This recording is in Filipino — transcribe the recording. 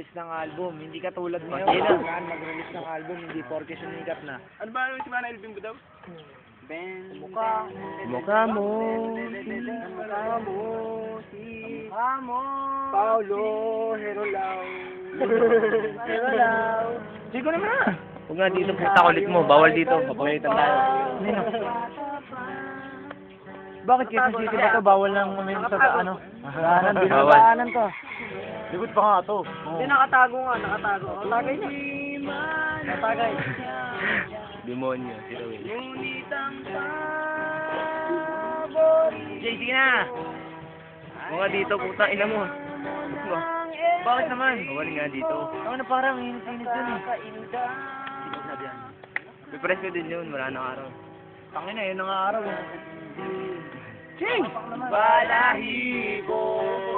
mag-release ng album. Hindi katulad ngayon. Hindi na. Kailangan mag-release ng album, hindi porke sumikat na. Ano ba si Mana Elvin daw? Mukha Mukha mo. Mukha mo, mukha mo. Paulo, Herolao. Herolao. Sige naman na. Huwag nga dito puta kulit mo. Bawal dito. Papagalitan tayo. Bakit kasi dito ba ito? Bawal lang uminom sa ano? Daanan, Bawal. binabaanan to. Likod pa nga to. Hindi, nakatago nga, nakatago. Nakatagay na. Nakatagay. Demonyo. Si Rowell. Ngunit ang paborito. Jay, sige na. Huwag nga dito puta. Ina mo. Bakit naman? Bawal nga dito. Ano na parang init-init dun eh. Pipress ko din yun. Wala nang araw. Tangin na, yun ang araw eh. Ching! Balahibo.